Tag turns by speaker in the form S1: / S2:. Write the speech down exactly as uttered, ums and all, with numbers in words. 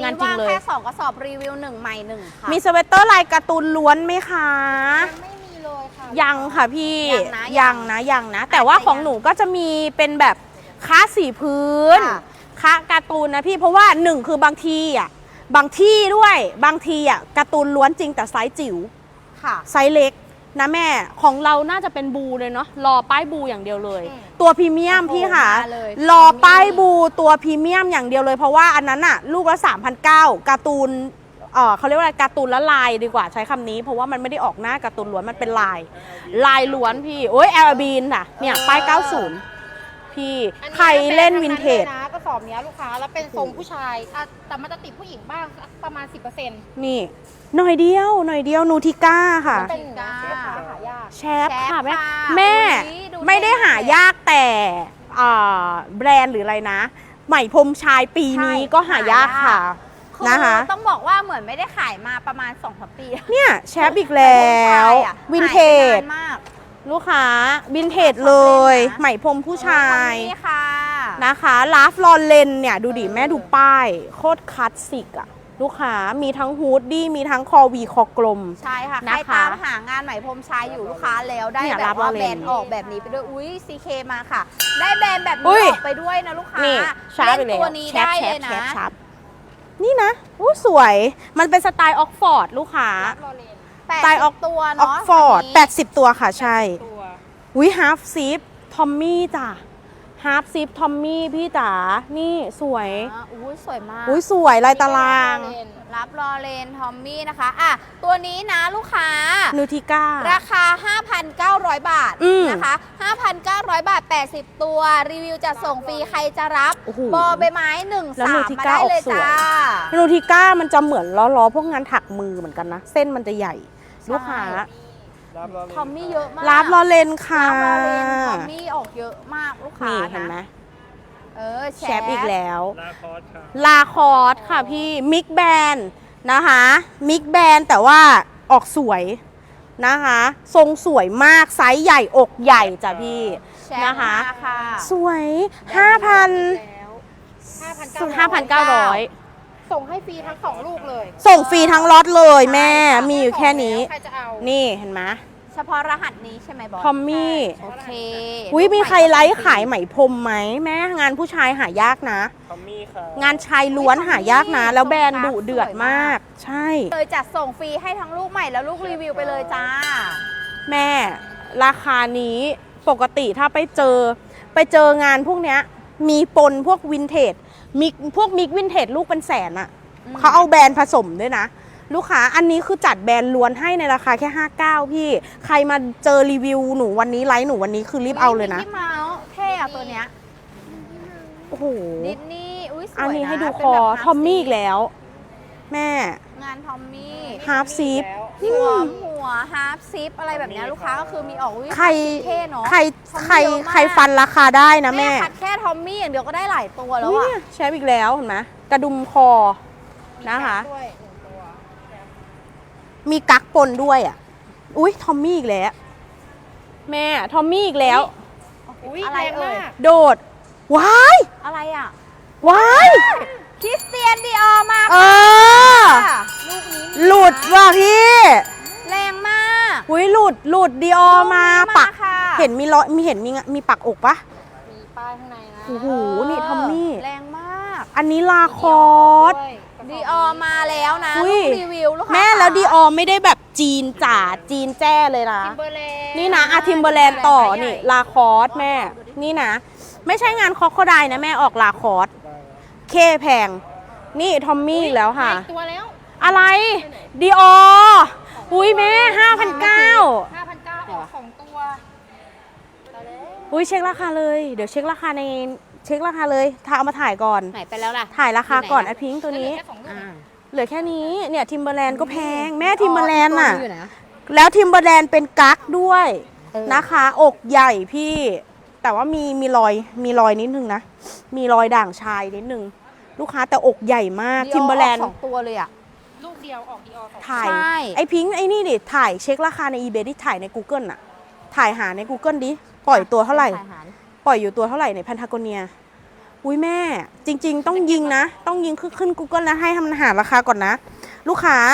S1: งานจริงเลย
S2: แค่สองกระสอบรีวิวหนึ่งใหม่หนึ่งค่ะ
S1: มีสเวตเตอร์ลายการ์ตูนล้วนไหมคะ
S2: ไม่มีเลยค่ะ
S1: ยังค่ะพี่
S2: ยังนะ
S1: ยังนะยังนะ แต่ว่าของหนูก็จะมีเป็นแบบค้าสีพื้นค้าการ์ตูนนะพี่เพราะว่าหนึ่งคือบางทีอ่ะบางที่ด้วยบางทีอ่ะการ์ตูนล้วนจริงแต่ไซส์จิ๋ว
S2: ค่ะ
S1: ไซส์เล็กนะแม่ของเราน่าจะเป็นบูเลยเนาะรอป้ายบูอย่างเดียวเลย ตัวพรีเมียมพี่ค่ะรอป้ายบูตัวพรีเมียมอย่างเดียวเลยเพราะว่าอันนั้นอะลูกละสามพันเก้าการ์ตูนเออเขาเรียกว่าอะไรการ์ตูนละลายดีกว่าใช้คำนี้เพราะว่ามันไม่ได้ออกหน้าการ์ตูนล้วนมันเป็นลายลายล้วนพี่โอ้ยแอลบีนค่ะเนี่ยป้ายเก้าสิบพี่ใครเล่นวินเทจ
S3: นะกระสอบนี้ลูกค้าแล้วเป็นทรงผู้ชายแต่มันจะติดผู้หญิงบ้างประมาณ สิบเปอร์เซ็นต์
S1: นี่หน่อยเดียวหน่อยเดียวนูทิก้าค่ะ
S3: เป็นลูกค้าหายาก
S1: แชปค่ะแม่แม่ไม่ได้หายากแต่แบรนด์หรืออะไรนะใหม่พรมชายปีนี้ก็หายากค่ะนะคะ
S2: ต้องบอกว่าเหมือนไม่ได้ขายมาประมาณสองสามปี
S1: เนี่ยแชปอีกแล้ววินเทจลูกค้าวินเทจเลยใหม่พรมผู้ชายนะคะลาฟลอนเลนเนี่ยดูดิแม่ดูป้ายโคตรคลาสสิกอะลูกค้ามีทั้งฮูดดี้มีทั้งคอวีคอกลม
S2: ใช่ค่ะใครตามหางานใหม่พรมชายอยู่ลูกค้าแล้วได้แบบว่าแบรนด์ออกแบบนี้ไปด้วยอุ้ยซีเคมาค่ะได้แบรนด์แบบนี้ออกไปด้วยนะลูกค้าเล่นตัวนี้ได้เลยนะ
S1: นี่นะอู้สวยมันเป็นสไตล์ออกฟอร์ดลูกค้า
S2: สไตล์ออกตัวเนาะ
S1: ออกฟอร์ดแปดสิบตัวค่ะใช่อุ้ยฮาร์ฟซิปทอมมี่จ้ะฮาร์ฟซิปทอมมี่พี่จ๋านี่สวย
S2: อุ้ยสวยมาก
S1: อุ้ยสวยลายตาราง
S2: รับลอเรนทอมมี่นะคะอ่ะตัวนี้นะลูกค้า
S1: นูทิก้า
S2: ราคา ห้าพันเก้าร้อย บาทนะคะ ห้าพันเก้าร้อย บาทแปดสิบตัวรีวิวจะส่งฟรีใครจะรับบอใบไม้หนึ่งสามมาได้เลยจ้า
S1: นูทิก้ามันจะเหมือนล้อๆพวกงานถักมือเหมือนกันนะเส้นมันจะใหญ่ลูกค้า
S2: ทอมมี่เยอะมาก
S1: ลาฟลอเรนค่ะ
S2: ลาฟลอเรนทอมมี่ออกเยอะมากลูกค้า
S1: นี่เห็นไหม
S2: เออแช
S1: ปอีกแล้ว
S4: ลาคอสค่ะ
S1: ลาคอสค่ะพี่มิกแบนนะคะมิกแบนแต่ว่าออกสวยนะคะทรงสวยมากไซส์ใหญ่อกใหญ่จ้ะพี่นะคะสวย ห้าพัน ห้าพันเก้าร้อย
S3: ส่งให้ฟรีทั้งสองลูกเลย
S1: ส่งฟรีทั้งล็อตเลยแม่มีอยู่แค่นี้นี่เห็นไหม
S2: เฉพาะรหัสนี้ใช่ไหมบอส
S1: ทอมมี่
S2: โอเค
S1: อุ้ยมีใครไลฟ์ขายไหมพรมไหมแม่งานผู้ชายหายากนะ
S4: ทอมมี่ค่ะ
S1: งานชายล้วนหายากนะแล้วแบรนด์ดุเดือดมากใช่
S2: เลยจัดส่งฟรีให้ทั้งลูกใหม่แล้วลูกรีวิวไปเลยจ้า
S1: แม่ราคานี้ปกติถ้าไปเจอไปเจองานพวกเนี้ยมีปนพวกวินเทจมิกพวกมิกวินเทจลูกเป็นแสนอะเขาเอาแบรนด์ผสมด้วยนะลูกค้าอันนี้คือจัดแบรนด์ล้วนให้ในราคาแค่ห้าสิบเก้าพี่ใครมาเจอรีวิวหนูวันนี้ไลฟ์หนูวันนี้คือรีบเอาเลยนะ
S2: มิกกี้เมาส์เท่อะตัวเนี้ย
S1: โอ้โห
S2: ดิสนีย์อุ้ยสวยนะ
S1: อันนี้ให้ดูคอทอมมี่อีกแล้วแม่
S2: งานทอมมี่
S1: ฮาร์ฟซิป
S2: หัวหัวฮาร์ฟซิปอะไรแบบนี้ลูกค้าก็คือมีออกวิ
S1: ใคร
S2: เท่เนาะ
S1: ใครใครใครฟันราคาได้นะแม่
S2: คัดแค่ทอมมี่อย่างเดียวก็ได้หลายตัวแล้วอะ
S1: ใช้อีกแล้วเห็นไหมกระดุมคอนะคะมีกั๊กปนด้วยอ่ะอุ้ยทอมมี่อีกแล้วแม่ทอมมี่อีกแล้ว
S2: อะไรเอ่ย
S1: โดดว้าย
S2: อะไรอ่ะ
S1: ว้าย
S2: คริสเตียนดีออร์มา
S1: เออ
S2: ลูกนี้
S1: หลุดว่ะพี่
S2: แรงมาก
S1: อุ้ยหลุดหลุดดีออร์มาปักเห็นมีร้อยมีเห็นมีมีปักอกปะ
S3: มีป้ายข้างในนะ
S1: โอ้โหนี่ทอมมี่
S2: แรงมาก
S1: อันนี้ลาคอส
S2: ดีออมาแล้วนะลูกรีวิวลูกค้า
S1: แม่แล้วดีออไม่ได้แบบจีนจ๋าจีนแจ้เลยนะนี่นะอาทิมเบอร์แลนด์ต่อนี่ลาคอสแม่นี่นะไม่ใช่งานคอคโคไดนะแม่ออกลาคอสเคแพงนี่ทอมมี่แล้วค่ะ
S3: ตัวแล้ว
S1: อะไรดีอออุ้ยแม่ห้าพันเก้า
S3: ห้าพันเก้าออกสองตัว
S1: อุ้ยเช็คราคาเลยเดี๋ยวเช็คราคาในเช็คราคาเลยถ้าเอามาถ่ายก่อน
S2: ไหนไปแล้วล่ะ
S1: ถ่ายราคาก่อนไอพิงค์ตัวนี้เหลือแค่นี้เนี่ยทิมเบอร์แลนด์ก็แพงแม่ทิมเบอร์แลนด์น่ะแล้วทิมเบอร์แลนด์เป็นกั๊กด้วยนะคะอกใหญ่พี่แต่ว่ามีมีรอยมีรอยนิดนึงนะมีรอยด่างชายนิดนึงลูกค้าแต่อกใหญ่มากทิมเบอร์แลนด์
S2: สองตัวเลยอะ
S3: ลูกเดียวออกดีออสอง
S1: ถ่ายไอพิงค์ไอนี่ดิถ่ายเช็คราคาใน อีเบย์ ที่ถ่ายใน Google น่ะถ่ายหาใน Google ดิปล่อยตัวเท่าไหร่ปล่อยอยู่ตัวเท่าไหร่ในแพนทากเนียอุ้ยแม่จริง ๆ ต้องยิงนะ ต้องยิงขึ้น Google นะให้ทำหาราคาก่อนนะ ลูกค้า